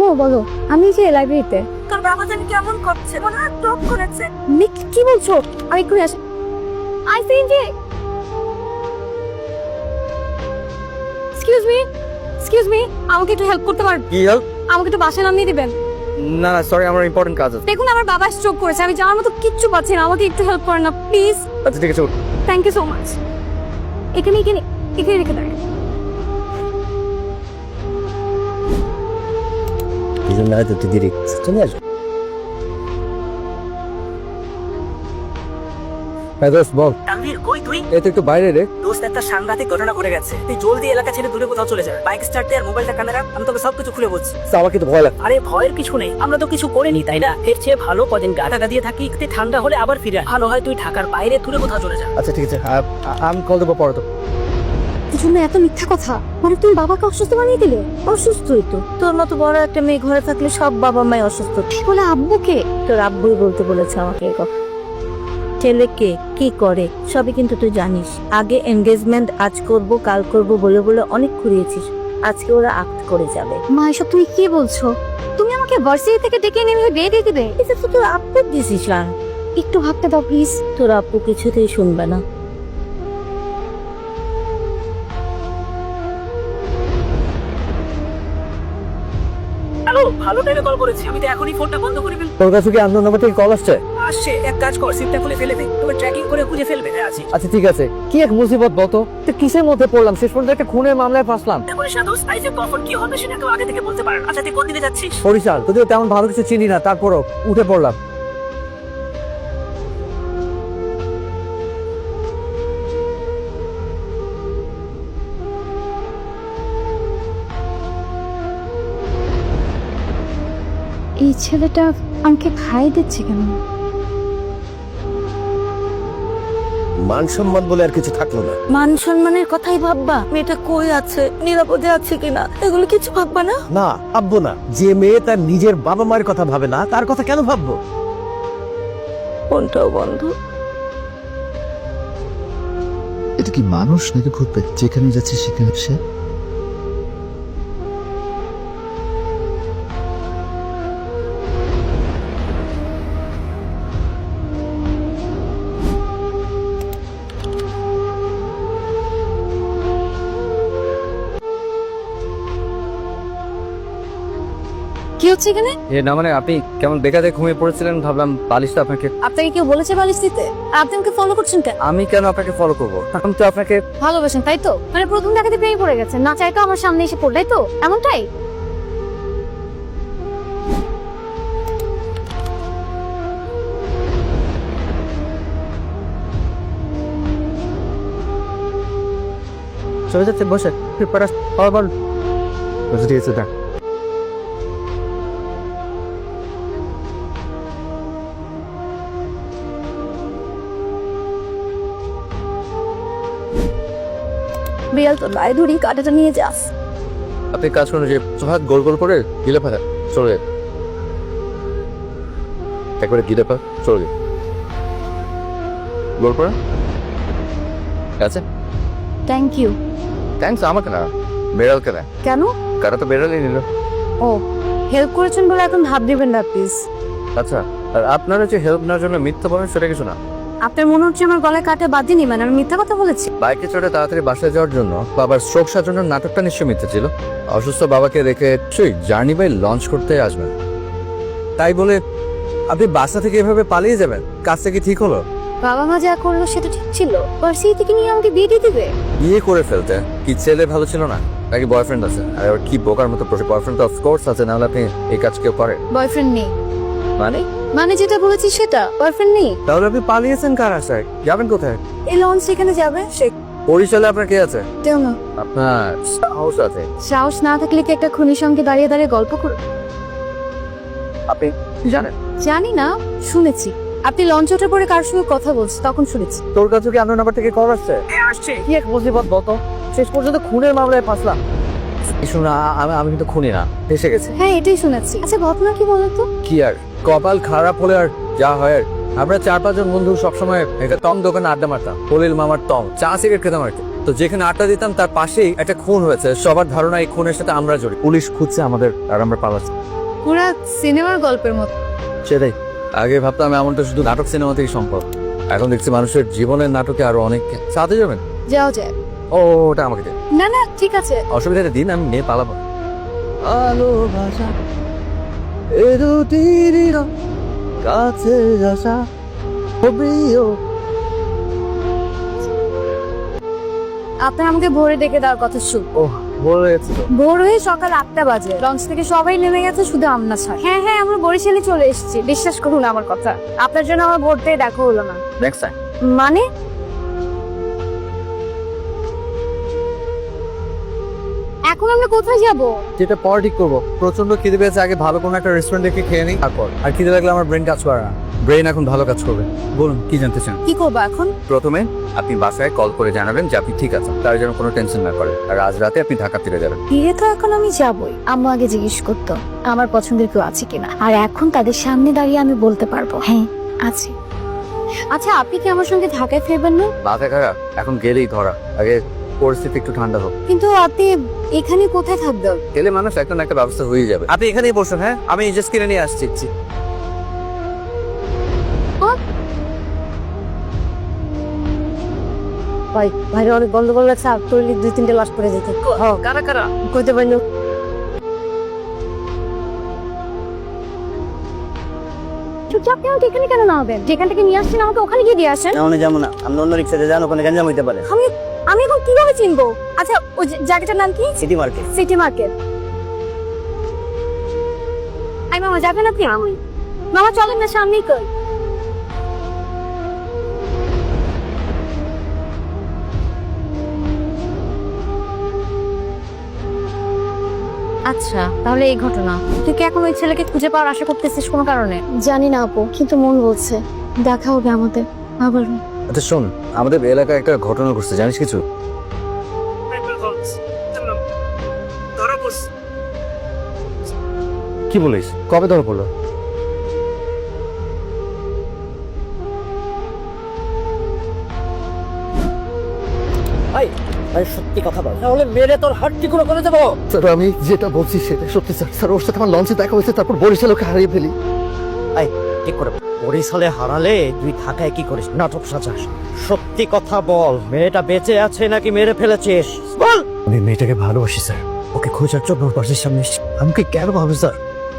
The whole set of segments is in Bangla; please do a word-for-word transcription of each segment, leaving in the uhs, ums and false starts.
বলো। আমি যে লাইব্রেরিতে। তোর বাবা জানি কেমন করছে, মনে হয় টপ করেছে। নিক কি বলছো? আমি এক্ষুনি আসি। আই সি জি। এক্সকিউজ মি, এক্সকিউজ মি, আমাকে একটু হেল্প করতে পারেন? কি হেল্প? আমাকে একটু বাসায় নামিয়ে দিবেন। না না সরি, আমার ইম্পর্টেন্ট কাজ আছে। দেখুন আমার বাবা স্ট্রোক করেছে, আমি যাওয়ার মতো কিচ্ছু পাচ্ছি না, আমাকে একটু হেল্প করেন না প্লিজ। আচ্ছা ঠিক আছে। Thank you so much. এখানে এখানে এখানে রেখে দেন। এই জন্য হয়তো তুই দেরি চলে আসবে। হ্যাঁ দোস্ত বল। তানভীর কই তুই? এই তো একটু বাইরে রে। দোস্ত একটা সাংঘাতিক ঘটনা ঘটে গেছে, তুই জলদি এলাকা ছেড়ে দূরে কোথাও চলে যা। বাইক স্টার্ট দে আর মোবাইলটা কানে রাখ, আমি তোকে সবকিছু খুলে বলছি। আমাকে তো ভয় লাগে। আরে ভয়ের কিছু নেই, আমরা তো কিছু করিনি তাই না? এর চেয়ে ভালো কদিন গা ঢাকা দিয়ে থাকি, একটু ঠান্ডা হলে আবার ফিরে আয়। ভালো হয় তুই ঢাকার বাইরে দূরে কোথাও চলে যা। আচ্ছা ঠিক আছে, আমি কল দেবো পরে তো। কি জন্য এত মিথ্যা কথা? মানে তুমি বাবাকে অসুস্থ বানিয়ে দিলে? অসুস্থই তো, তোর মতো বড় একটা মেয়ে ঘরে থাকলে সব বাবা মাই অসুস্থ। বলে আব্বুকে? তোর আব্বুই বলতে বলেছে আমাকে এই কথা। ছেলেকে কি করে সবই কিন্তু তুই জানিস। আগে এনগেজমেন্ট আজ করব কাল করব বলে বলে অনেক ঘুরিয়েছিস, আজকে ওরা আক্ট করে যাবে। মা এসব তুমি কি বলছো? তুমি আমাকে ভার্সিটি থেকে ডেকে এনে এভাবে বিয়ে দিয়ে দিবে? এটা তো তোর আব্বুর ডিসিশন। একটু ভাবতে দাও প্লিজ। তোর আব্বু কিছুতেই শুনবে না। হ্যালো, ভালো টাইমে কল করেছি, আমি তো এখনই ফোনটা বন্ধ করে ফেলবো। তোর কাছে কি আননোন নাম্বার থেকে কল আসছে? আসছে, এক কাজ কর, সিমটা খুলে ফেলে দে, তোকে ট্র্যাকিং করে খুঁজে ফেলবে। হ্যাঁ আছি। আচ্ছা ঠিক আছে। কি এক মুসিবত বলতো, তো কিসের মধ্যে পড়লাম, শেষ পর্যন্ত একটা খুনের মামলায় ফাঁসলাম। বলিস না দোস্ত, আইসে কখন কি হবে সেটা কেউ আগে থেকে বলতে পারে না। আচ্ছা তুই কোন দিকে যাচ্ছিস? বরিশাল, যদিও তেমন ভালো কিছু চিনি না, তারপরও উঠে পড়লাম। এই ছেলেটা আমাকে খাই দিচ্ছে কেন? মান সম্মান বলে আর কিছু থাকলো না। মান সম্মানের কথাই ভাববা? মেয়েটা কই আছে, নিরাপদে আছে কিনা, এগুলো কিছু ভাববা না? না ভাববো না। যে মেয়ে তার নিজের বাবা মায়ের কথা ভাবে না, তার কথা কেন ভাববো? ফোনটাও বন্ধ। এটা কি মানুষ নাকি ভূত? যেখানে যাচ্ছে সেখানে সে। কি হচ্ছে এখানে? এ না মানে আপনি কেমন বেকারে ঘুমিয়ে পড়েছিলেন, ভাবলাম বালিশটা আপনাকে। আপনাকে কেউ বলেছে বালিশ দিতে? আর আপনি আমাকে ফলো করছেন কেন? আমি কেন আপনাকে ফলো করবো? আমি তো আপনাকে ভালোবাসেন তাই তো? মানে প্রথম দেখাতে প্রেমে পড়ে গেছেন, না চাই তো আমার সামনে এসে পড়লাই তো, এমনটাই? চলে যাচ্ছে, বসে প্রিপারেশন আবার বসে ঠিক আছে দেখ। বিড়াল তো লাই ধরি, কাটাটা নিয়ে যাস। আপনি কাজ করুন, যে হাত গোল গোল করে গিলে ফেলা চলে যায়, একবারে গিলে ফেলা চলে যায়, গোল করে আছে। Thank you. থ্যাংকস আমাকে না, বেড়ালকে না। কেন? কারা তো বেড়ালই নিল। ও, হেল্প করেছেন বলে এখন ভাব দিবেন না প্লিজ। আচ্ছা, আর আপনারা যে হেল্প নেওয়ার জন্য মিথ্যা বলেন সেটা কিছু না। আপনার মনে হচ্ছে আমার গলায় কাটা বাঁধেনি, মানে আমি মিথ্যা কথা বলেছি? বাইকে চড়ে তাড়াতাড়ি বাসায় যাওয়ার জন্য বাবার স্ট্রোক সাজানোর নাটকটা নিশ্চয়ই মিথ্যা ছিল। অসুস্থ বাবাকে রেখে সেই জার্নি বাই লঞ্চ করতে আসবেন, তাই বলে আপনি বাসা থেকে এভাবে পালিয়ে যাবেন? কাজটা কি ঠিক হলো? বাবা মা যা করলো সেটা ঠিক ছিল? ভার্সিটি থেকে নিয়ে আমাকে বিয়ে দিয়ে দিবে? বিয়ে করে ফেলতে কি ছেলে ভালো ছিল না, নাকি বয়ফ্রেন্ড আছে? আর আবার কি বোকার মতো প্রশ্ন। বয়ফ্রেন্ড তো অফকোর্স আছে, নাহলে আপনি এই কাজ কেউ করে? বয়ফ্রেন্ড নেই। মানে মানে যেটা বলেছি সেটা, বয়ফ্রেন্ড নেই। তাহলে আপনি পালিয়েছেন কার আশায়? যাবেন কোথায়? এই লঞ্চ সেখানে যাবে সে বরিশালে আপনার কে আছে? তেও না। আপনার সাহস আছে? সাহস না থাকলে কি একটা খুনির সঙ্গে দাঁড়িয়ে দাঁড়িয়ে গল্প কর? আপনি জানেন? জানি না, শুনেছি। আপনি লঞ্চ ওঠার পরে কার সঙ্গে কথা বলছেন তখন শুনেছি। তোর কাছে কি আপনার নাম্বার থেকে কল আসছে? আসছে। কি এক মুসিবত বলতো, শেষ পর্যন্ত খুনের মামলায় ফাঁসলাম। শোনা, আমি আমি কিন্তু খুনি না, এসে গেছে। হ্যাঁ এটাই শুনেছি। আচ্ছা ঘটনা কি বলতো? কি আর, কপাল খারাপ হলে আর যা হয় আর। আমরা চার পাঁচজন বন্ধু সবসময় একটা টং দোকানে আড্ডা মারতাম, হলিল মামার টং, চা সিগারেট খেতাম আর কি। তো যেখানে আড্ডা দিতাম তার পাশেই একটা খুন হয়েছে। সবার ধারণা এই খুনের সাথে আমরা জড়িত। পুলিশ খুঁজছে আমাদের আর আমরা পালাচ্ছি। পুরা সিনেমার গল্পের মতো। সেটাই, আগে ভাবতাম এমনটা শুধু নাটক সিনেমা থেকে সম্ভব, এখন দেখছি মানুষের জীবনের নাটকে আরো অনেক। সাথে যাবেন? যাও যায়। ও ওটা আমাকে দিন। না না ঠিক আছে। অসুবিধা নেই, দিন, আমি নিয়ে পালাবো। ভালোবাসা এ দুটির কাছে আসা আপনার আমাকে ভোরে ডেকে দেওয়ার কথা শুন। ও বলেছি তো। ভোর হয়ে সকাল আটটা বাজে, লঞ্চ থেকে সবাই নেমে গেছে, শুধু আমরা ছাড়া। হ্যাঁ হ্যাঁ আমরা বরিশালে চলে এসেছি, বিশ্বাস করুন আমার কথা। আপনার জন্য আমার ভোর থেকে দেখা হলো না। Next time. মানে এখন আমরা কোথায় যাব? যেটা পর ঠিক করবো। প্রচন্ড খিদে পেয়েছে, আগে ভালো কোনো একটা রেস্টুরেন্ট দেখে খেয়ে নিই, তারপর। আর খিদে লাগলে আমার ব্রেন কাজ করে না, ব্রেন এখন ভালো কাজ করবে। বলুন কি জানতে চান? কি করবো এখন? প্রথমে আপনি বাসায় কল করে জানাবেন যে আপনি ঠিক আছেন, তার জন্য কোনো টেনশন না করে। আর আজ রাতে আপনি ঢাকা ফিরে যাবেন। বিয়ে তো এখন আমি যাবই। আম্মু আগে জিজ্ঞেস করতো আমার পছন্দের কেউ আছে কিনা, আর এখন তাদের সামনে দাঁড়িয়ে আমি বলতে পারবো হ্যাঁ আছে। আচ্ছা আপনি কি আমার সঙ্গে ঢাকায় ফিরবেন না? মাথা খারাপ, এখন গেলেই ধরা। আগে পরিস্থিতি একটু ঠান্ডা হোক। কিন্তু আপনি এখানে কোথায় থাকবেন? গেলে মানুষ একটা না একটা ব্যবস্থা হয়ে যাবে। আপনি এখানেই বসুন, হ্যাঁ আমি জাস্ট কিনে নিয়ে আসছি। ভাই ভাইরে অনেক গন্ডগোল লাগছে, আর তৈরি দুই তিনটে লাশ পড়ে যেত। কারা কারা? কইতে পারি না। চুপচাপ কেন এখানে কেন না হবেন? যেখান থেকে নিয়ে আসছেন আমাকে ওখানে গিয়ে দিয়ে আসেন। না ওখানে যাবো না, আমি অন্য রিক্সাতে যান, ওখানে গ্যাঞ্জাম হইতে পারে। আমি আমি এখন কিভাবে চিনবো? আচ্ছা ওই যে জায়গাটার নাম কি? City market. City market. আই মামা যাবেন আপনি? আমি মামা চলেন না, সামনেই কই। আচ্ছা তাহলে এই ঘটনা। তুই কি এখন ওই ছেলেকে খুঁজে পাওয়ার আশা করতেছিস কোনো কারণে? জানি না আপু, কিন্তু মন বলছে দেখা হবে আমাদের আবার। আচ্ছা শোন, আমাদের এলাকায় একটা ঘটনা ঘটছে, জানিস কিছু? কি বলিস? কবে ধরা পড়লো? ভাই ভাই সত্যি কথা বল, তাহলে মেরে তোর হাত টুকরো করে দেবো। স্যার আমি যেটা বলছি সেটা সত্যি স্যার। স্যার ওর সাথে আমার লঞ্চে দেখা হয়েছে, তারপর বরিশাল ওকে হারিয়ে ফেলি। ভাই ঠিক করে বল। বরিশালে হারালে তুই ঢাকায় কি করিস? নাটক সাজাস। সত্যি কথা বল, মেয়েটা বেঁচে আছে নাকি মেরে ফেলেছিস? বল। আমি মেয়েটাকে ভালোবাসি স্যার, ওকে খোঁজার জন্য ওর বাড়ির সামনে এসেছি। আমাকে কেন ভাবে স্যার?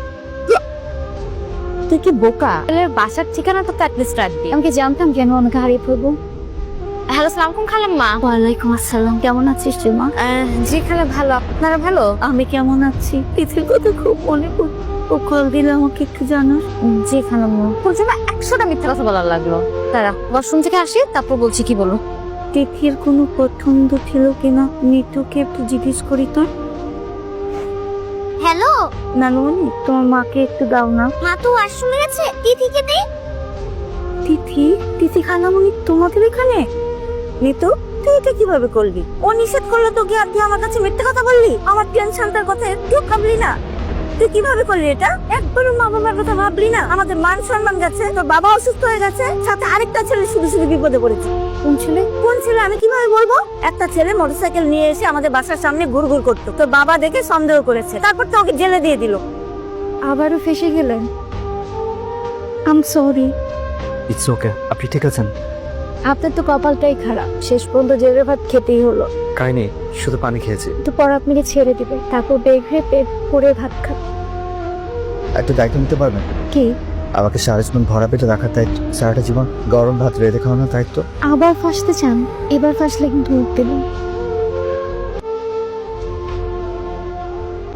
তুই কি বোকা? বাসার ঠিকানা তো অ্যাটলিস্ট রাখবি। আমি কি জানতাম কেন ওনাকে হারিয়ে ফেলবো? হ্যালো সালাম খালাম্মা। ওয়ালাইকুম আসসালাম। কেমন আছিস রিমা? জি খালা ভালো। আপনারা ভালো? আমি কেমন আছি? তিথির কথা খুব মনে পড়ে। ও কল দিলে আমাকে একটু জানাস। জি খালাম্মা। বলছি না একশোটা মিথ্যা কথা বলার লাগলো। তারা ওয়াশরুম থেকে আসি তারপর বলছি, কি বলো? তিথির কোনো পছন্দ ছিল কিনা নিতুকে একটু জিজ্ঞেস করি তো। হ্যালো নানুমণি তোমার মাকে একটু দাও না। মা তো ওয়াশরুমে গেছে, তিথিকে দে। তিথি তিথি খালামণি তোমাদের এখানে? নিতু তুই এটা কিভাবে করলি? ও নিষেধ করলো তোকে আর তুই আমার কাছে মিথ্যে কথা বললি? আমার টেনশনটার কথা একটু ভাবলি না? তুই কিভাবে করলি এটা? একবারও মা বাবার কথা ভাবলি না? আমাদের মান সম্মান গেছে, তোর বাবা অসুস্থ হয়ে গেছে, সাথে আরেকটা ছেলে শুধু শুধু বিপদে পড়েছে। কোন ছেলে? কোন ছেলে আমি কিভাবে বলবো? একটা ছেলে মোটরসাইকেল নিয়ে এসে আমাদের বাসার সামনে ঘুরঘুর করতো, তোর বাবা দেখে সন্দেহ করেছে, তারপর তো ওকে জেলে দিয়ে দিল। আবারও ফেসে গেলেন। I'm sorry. It's okay. আপনি ঠিক আছেন? আপনার তো কপালটাই খারাপ, শেষ পর্যন্ত জেলের ভাত খেতেই হলো। খাইনি, শুধু পানি খেয়েছি। একটু পর আপনাকে ছেড়ে দিবে, তারপর বের হয়ে পেট ভরে ভাত খাবে। একটা দায়িত্ব নিতে পারবেন? কি? আমাকে সারা জীবন ভরা পেটে রাখার দায়িত্ব, সারাটা জীবন গরম ভাত রেঁধে খাওয়ানোর দায়িত্ব। আবার ফাঁসতে চান? এবার ফাঁসলে কিন্তু উঠতে দিন।